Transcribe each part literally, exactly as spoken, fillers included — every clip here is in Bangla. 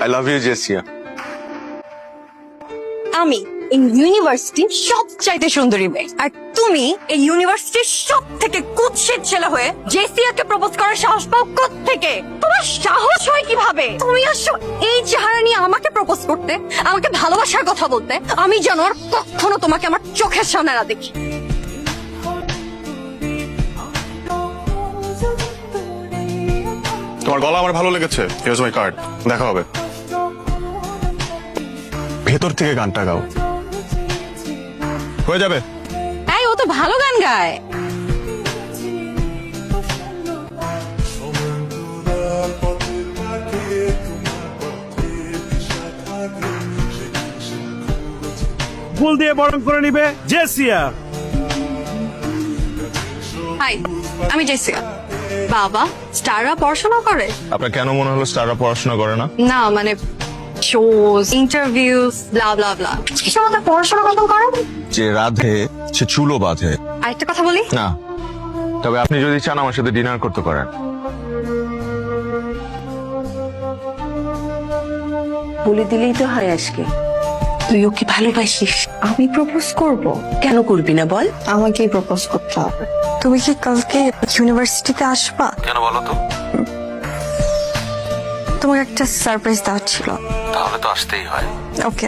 I love you জেসিয়া। আমি এই ইউনিভার্সিটির সবচাইতে সুন্দরী মেয়ে, আর তুমি এই ইউনিভার্সিটির সব থেকে কুৎসিত ছেলে হয়ে জেসিয়াকে প্রপোজ করার সাহস পাও কোত্থেকে? তোমার সাহস হয় কিভাবে? তুমি আসছো এই চেহারা নিয়ে আমাকে প্রপোজ করতে, আমাকে ভালোবাসার কথা বলতে। আমি যেন আর কখনো তোমাকে আমার চোখের সামনে না দেখি। তোমার গলা আমার ভালো লেগেছে, হিয়ার্স মাই কার্ড, দেখা হবে। ভেতর থেকে গানটা গাও, হয়ে যাবে। এই ও তো ভালো গান গায়। ফুল দিয়ে বরণ করে নিবে জেসিয়া। হাই, আমি জেসিয়া। বাবা, স্টাররা পড়াশোনা করে? আপনার কেন মনে হলো স্টাররা পড়াশোনা করে না? না মানে শোজ, ইন্টারভিউস, ব্লা ব্লা ব্লা, এসব তো পড়াশোনা কত করে? যে রাধে সে চুলো বাঁধে। আরেকটা কথা বলি না, তবে আপনি যদি চান আমার সাথে ডিনার করতে পারেন। বলে দিলেই তো হয় আজকে। তুই ওকে ভালোবাসিস, আমি প্রপোজ করব। কেন করবি না বল? আমাকেই প্রপোজ করতে হবে। তুমি কি কালকে ইউনিভার্সিটিতে আসবা? কেন বলো তো? তোমাকে একটা সারপ্রাইজ দেওয়ার ছিল। তাহলে তো আসতেই হয়। ওকে।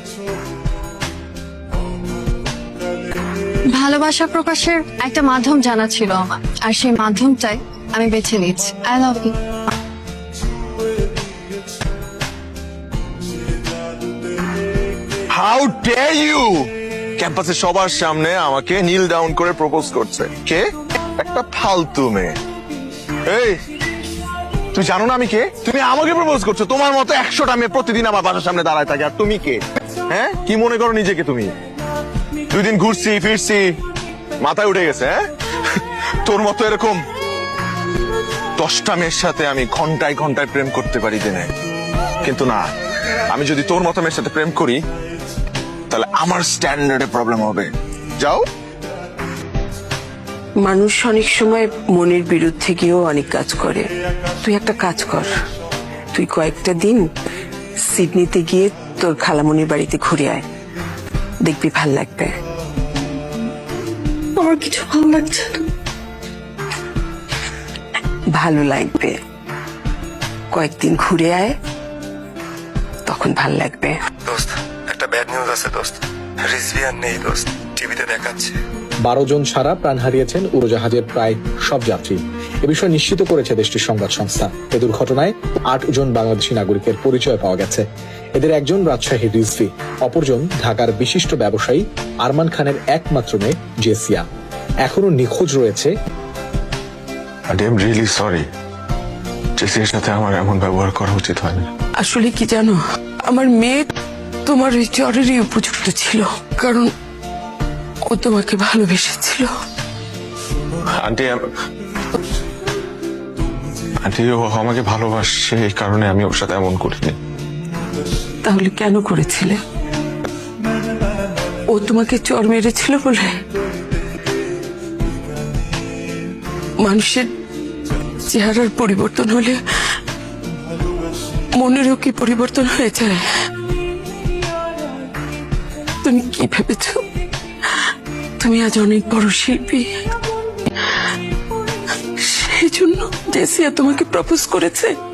ভালোবাসা প্রকাশের একটা মাধ্যম জানা ছিল আমার, আর সেই মাধ্যমটাই আমি বেছে নিচ্ছি। I love you. How dare you! ক্যাম্পাসে সবার সামনে আমাকে নীল ডাউন করে প্রপোজ করছে কে? একটা ফালতু মেয়ে। এই, তুই জানো না আমি কে? তুমি আমাকে প্রপোজ করছো। তোমার মতো একশোটা মেয়ে প্রতিদিন আমার বাসার সামনে দাঁড়ায় থাকে, আর তুমি কে? হ্যাঁ, কি মনে করো নিজেকে তুমি? দুই দিন ঘুরছি ফিরছি, মাথায় উঠে গেছে। হ্যাঁ, তোর মতো এরকম দশটা মেয়ের সাথে আমি ঘন্টায় ঘন্টায় প্রেম করতে পারি দিনে, কিন্তু না, আমি যদি তোর মতো মেয়ের সাথে প্রেম করি তাহলে আমার স্ট্যান্ডার্ডে প্রবলেম হবে। যাও। মানুষ অনেক সময় মনের বিরুদ্ধে গিয়েও অনেক কাজ করে। তুই একটা কাজ কর, তুই কয়েকটা দিন সিডনিতে গিয়ে তোর খালামণির বাড়িতে ঘুরে আয়, দেখবি ভাল লাগবে। আমার কিছু ভালো লাগছে না। ভালো লাগবে, কয়েকদিন ঘুরে আয়, তখন ভাল লাগবে। দোস্ত, একটা ব্যাড নিউজ আছে দোস্ত। রিজভিয়ান নেই দোস্ত, টিভিতে দেখাচ্ছে। বারো জন ছাড়া প্রাণ হারিয়েছেন উড়োজাহাজের প্রায় সব যাত্রী। এ বিষয়ে নিশ্চিত করেছে দেশটির সংবাদ সংস্থা। এ দুর্ঘটনায় আট জন বাংলাদেশি নাগরিকের পরিচয় পাওয়া গেছে। এদের একজন রাজশাহীর রিজভি, অপরজন ঢাকার বিশিষ্ট ব্যবসায়ী আরমান খানের একমাত্র মেয়ে জেসিয়া। এখনো নিখোঁজ রয়েছে। আই এম রিয়েলি সরি, জেসিয়ার সাথে আমার এমন ব্যবহার করা উচিত হয়নি। আসলে কি জানো, আমার মেয়ে তোমার ওই জ্বরেরই উপযুক্ত ছিল, কারণ ও তোমাকে ভালোবেসেছিল। আন্টি, আন্টি ও আমাকে ভালোবাসে, এই কারণে আমি ওর সাথে এমন করিনি। তাহলে কেন করেছিলে? ও তোমাকে চর মেরেছিল বলে? মানুষের চেহারার পরিবর্তন হলে মনেরও কি পরিবর্তন হয়ে যায়? তুমি কি ভেবেছ তুমি আজ অনেক বড় শিল্পী, সেই জন্য জেসিয়া তোমাকে প্রপোজ করেছে?